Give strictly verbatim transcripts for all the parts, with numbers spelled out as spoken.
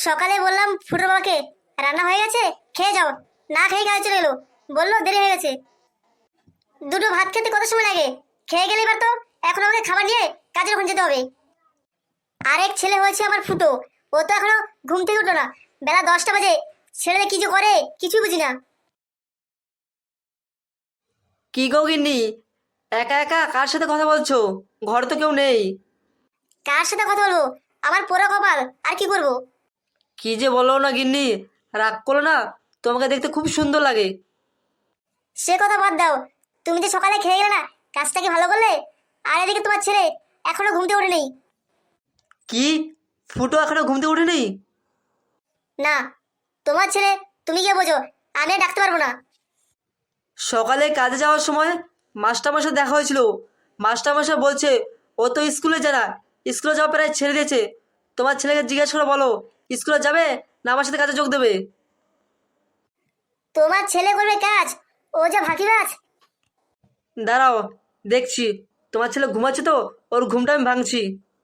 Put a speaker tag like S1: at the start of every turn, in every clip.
S1: সকালে বললাম ফুটোর বাবাকে রান্না হয়ে গেছে, খেয়ে যাও। না খেয়ে কাজে চলে এলো, বললো দেরি হয়ে গেছে। দুটো ভাত খেতে কত সময় লাগে? খেয়ে গেলে এবার তো এখন আমাকে খাবার নিয়ে কাজের ওখানে যেতে হবে। আরেক ছেলে হয়েছে আমার ফুটো, ও তো এখনো ঘুম থেকে উঠলো না। বেলা দশটা বাজে, ছেলেরা কি যে করে কিছুই বুঝি না।
S2: কি গো গিন্নি, একা একা কার সাথে কথা বলছো? ঘরে তো কেউ নেই।
S1: কার সাথে কথা বলবো? আমার পোড়া কপাল, আর কি করবো?
S2: কি যে বলো না গিন্নি, রাগ করো না। তোমাকে দেখতে খুব সুন্দর লাগে।
S1: সে কথা বাদ দাও। তুমি যে সকালে খেয়ে গেলে না, কাজটা কি ভালো করলে? আর এদিকে তোমার ছেলে এখনো ঘুম থেকে ওঠে নেই।
S2: কি? ফুটো এখনো ঘুম থেকে উঠেনি?
S1: না, তোমার ছেলে তুমি গিয়ে বোঝো, আমি আর ডাকতে পারবো না।
S2: সকালে কাজে যাওয়ার সময় মাস্টারমশাই দেখা হয়েছিল। মাস্টারমশাই বলছে ও তো স্কুলে যায় না, স্কুলে যাওয়া প্রায় ছেড়ে দিয়েছে। তোমার ছেলেকে জিজ্ঞেস করে বলো স্কুলে যাবে না আমার সাথে কাজে যোগ দেবে।
S1: তোমার ছেলে করবে কাজ, ও যা ফাঁকিবাজ।
S2: দাঁড়াও, দেখছি। তোমার ছেলে ঘুমাচ্ছে তো, ওর ঘুমটা আমি ভাঙছি।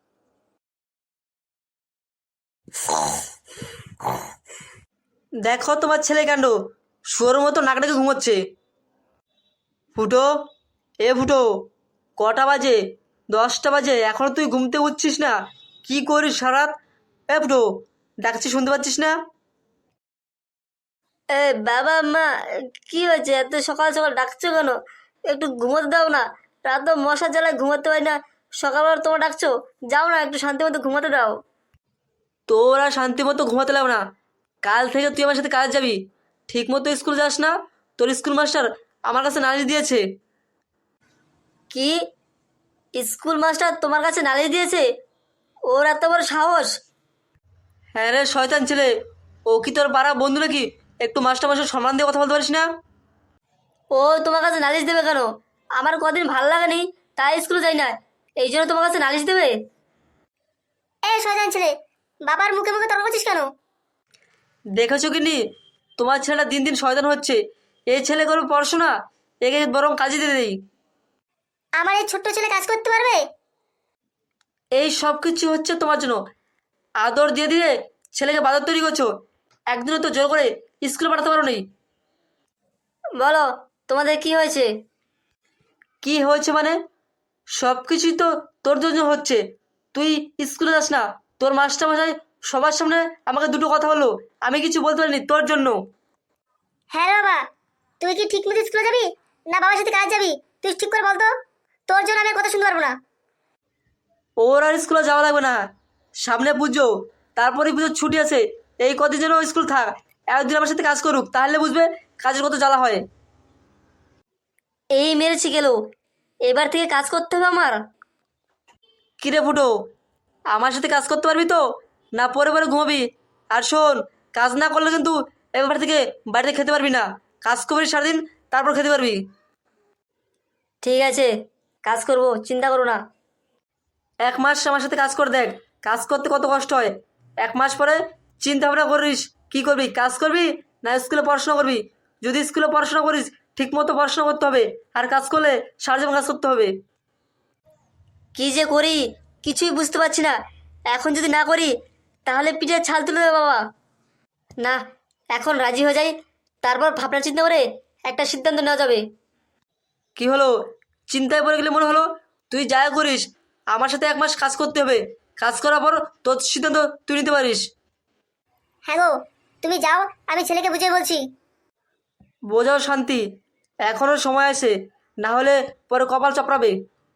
S2: দেখো তোমার ছেলে কাণ্ড, শুয়োর মতো নাক ডেকে ঘুমোচ্ছে। ফুটো, এ ফুটো, কটা বাজে? দশটা বাজে, এখনো তুই ঘুমতে উঠছিস না? কি করিস সারাত? এ ফুটো, ডাকছি শুনতে পাচ্ছিস না?
S3: এ বাবা মা, কি হয়েছে? এত সকাল সকাল ডাকছো কেন? একটু ঘুমোতে দাও না। রাত তো মশার জ্বালায় ঘুমাতে পারি না, সকালবেলা তোমার ডাকছো? যাও না, একটু শান্তি মতো ঘুমাতে দাও।
S2: তোরা শান্তি মতো ঘুমাতে লাগবে না। কাল থেকে তুই আমার সাথে কাজ যাবি। ঠিক মতো স্কুল যাস না, তোর স্কুল মাস্টার আমার কাছে নালিশ দিয়েছে।
S3: কি? স্কুল মাস্টার তোমার কাছে নালিশ দিয়েছে? ওর এত বড় সাহস!
S2: হ্যাঁ রে শয়তান ছেলে, ও কি তোর পাড়া বন্ধু নাকি? একটু মাস্টার মাস্টার সম্মান দিয়ে কথা বলতে পারিস না?
S3: ও তোমার কাছে নালিশ দেবে কেন? আমার কদিন ভালো লাগেনি, তাই স্কুলে যাই না, এই জন্য তোমার কাছে নালিশ দেবে?
S1: এ শয়তান ছেলে, বাবার মুখে মুখে তর্ক করছিস কেন?
S2: দেখেছো কি নি, তোমার ছেলেটা দিন দিন শয়তান হচ্ছে। এই ছেলে করবে পড়াশোনা, একে বরং কাজে দিয়ে দেই।
S1: আমার এই ছোট্ট ছেলে কাজ করতে পারবে?
S2: এই সব কিছু হচ্ছে তোমার জন্য। আদর দিয়ে দিয়ে ছেলেকে বাদর তৈরি করছো। একদিনও তো জোর করে স্কুলে পাঠাতে পারো নি।
S3: বলো, তোমাদের কি হয়েছে?
S2: কি হয়েছে মানে? সব কিছুই তো তোর জন্য হচ্ছে। তুই স্কুলে যাস না, তোর মাস্টার মশাই সবার সামনে আমাকে দুটো কথা বললো, আমি কিছু বলতে পারিনি তোর জন্য।
S1: হ্যাঁ রে বাবা, তুই কি ঠিক মতো স্কুলে যাবি না বাবার সাথে কাজ যাবি? তুই ঠিক করে বলতো, তোর জন্য আমি আর কথা শুনতে পারবো না।
S2: ওর আর স্কুলে যাওয়া লাগবে না। সামনে পুজো, তারপরে পুজোর ছুটি আছে। এই কদিন যেন ও স্কুল থাক, একদিন আমার সাথে কাজ করুক, তাহলে বুঝবে কাজের কত জ্বালা হয়।
S3: এই মেরেছি গেল, এবার থেকে কাজ করতে হবে আমার।
S2: কিরে ফুটো, আমার সাথে কাজ করতে পারবি তো, না পরে পরে ঘুমাবি? আর শোন, কাজ না করলে কিন্তু এবার থেকে বাড়িতে খেতে পারবি না। কাজ করবি সারাদিন, তারপর খেতে পারবি।
S3: ঠিক আছে, কাজ করব, চিন্তা করো না।
S2: এক মাস আমার সাথে কাজ করে দেখ, কাজ করতে কত কষ্ট হয়। এক মাস পরে চিন্তা ভাবনা করিস কি করবি, কাজ করবি না স্কুলে পড়াশোনা করবি। যদি স্কুলে পড়াশোনা করিস ঠিক মতো পড়াশোনা করতে হবে, আর কাজ করলে সারা জীবন কাজ করতে হবে।
S3: কি যে করি কিছুই বুঝতে পারছি না। এখন যদি না করি তাহলে পিঠে ছাল তুলে দেবে বাবা। না, এখন রাজি হয়ে যাই, তারপর ভাবনা চিন্তা করে একটা সিদ্ধান্ত নেওয়া যাবে।
S2: কি হলো, চিন্তায় পড়ে গেলে মনে হলো? তুই যা করিস আমার সাথে এক মাস কাজ করতে হবে। কাজ করার পর তোর সিদ্ধান্ত তুই নিতে পারিস।
S1: হ্যাঁ গো, তুমি যাও, আমি ছেলেকে বুঝিয়ে বলছি।
S2: বোঝাও শান্তি, এখনো সময় আছে, না হলে পরে কপাল চাপড়াবে।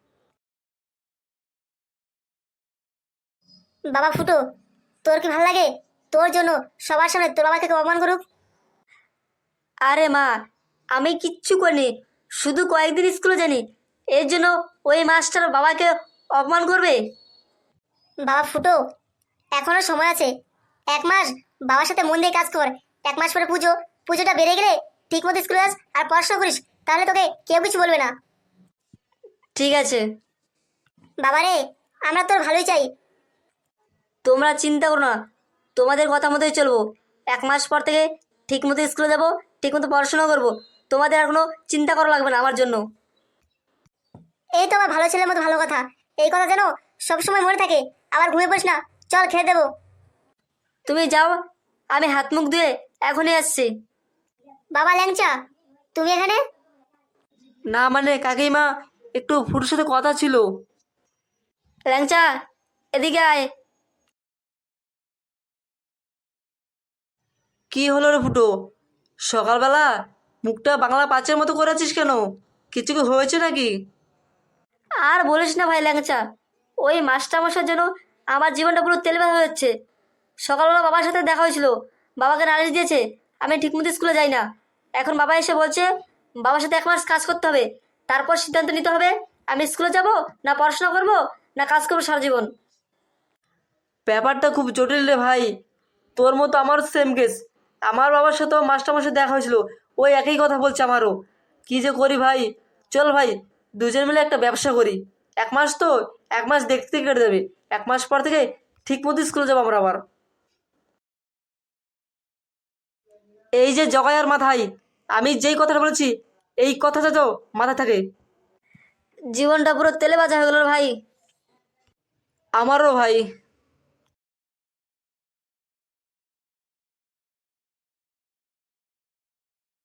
S1: বাবা ফুটো, তোর কি ভালো লাগে তোর জন্য সবার সামনে তোর বাবাকে কেউ অপমান করুক?
S3: আরে মা, আমি কিচ্ছু করিনি, শুধু কয়েকদিন স্কুলে জানি, এর জন্য ওই মাস্টার বাবাকে অপমান করবে?
S1: বাবা ফুটো, এখনো সময় আছে। এক মাস বাবার সাথে মন দিয়ে কাজ কর। এক মাস পরে পুজো, পুজোটা বেড়ে গেলে ঠিক মতো স্কুলে যাস আর পড়াশোনা করিস, তাহলে তোকে কেউ কিছু বলবে না।
S3: ঠিক আছে।
S1: বাবা রে, আমরা তোর ভালোই চাই।
S3: তোমরা চিন্তা করো না, তোমাদের কথা মতোই চলবো। এক মাস পর থেকে ঠিক মতো স্কুলে যাবো, ঠিক মতো পড়াশোনা করবো। তোমাদের আর কোনো চিন্তা করা লাগবে না আমার জন্য।
S1: এই তো আমার ভালো ছেলের মতো ভালো কথা। এই কথা যেন সবসময় মনে থাকে। আবার ঘুমিয়ে পড়িস না, চল খেয়ে দেবো।
S3: তুমি যাও, আমি হাত মুখ ধুয়ে এখনই আসছি।
S1: বাবা ল্যাংচা, তুমি এখানে?
S2: না মানে কাকিমা, একটু ফুটোর সাথে কথা ছিল।
S3: ল্যাংচা, এদিকে আয়।
S2: কি হলো রে ফুটো? সকালবেলা মুখটা বাংলা পাঁচের মতো করেছিস কেন? কিছু কি হয়েছে নাকি?
S3: আর বলিস না ভাই ল্যাংচা, ওই মাস্টারমশার জন্য আমার জীবনটা পুরো তেলবেলা হয়ে যাচ্ছে। সকালবেলা বাবার সাথে দেখা হয়েছিল, বাবাকে নালিশ দিয়েছে আমি ঠিকমতো স্কুলে যাই না। এখন বাবা এসে বলছে বাবার সাথে এক মাস কাজ করতে হবে, তারপর সিদ্ধান্ত নিতে হবে আমি স্কুলে যাব না পড়াশোনা করব না কাজ করবো সারা জীবন।
S2: ব্যাপারটা খুব জটিল রে ভাই। তোর মতো আমারও সেম কেস। আমার বাবার সাথেও মাস্টারমশাই দেখা হয়েছিল, ওই একই কথা বলছে আমারও। কি যে করি ভাই। চল ভাই, দুজন মিলে একটা ব্যবসা করি। এক মাস তো, এক মাস দেখতে কেটে যাবে। এক মাস পর থেকে ঠিক মতো স্কুলে যাবো আমরা আবার। এই যে জগায়ার মাথায়, আমি যেই কথাটা বলেছি এই কথাটা তো মাথায় থাকে।
S3: জীবনটা পুরো তেলে ভাজা হয়ে গেল রে ভাই।
S2: আমারও ভাই।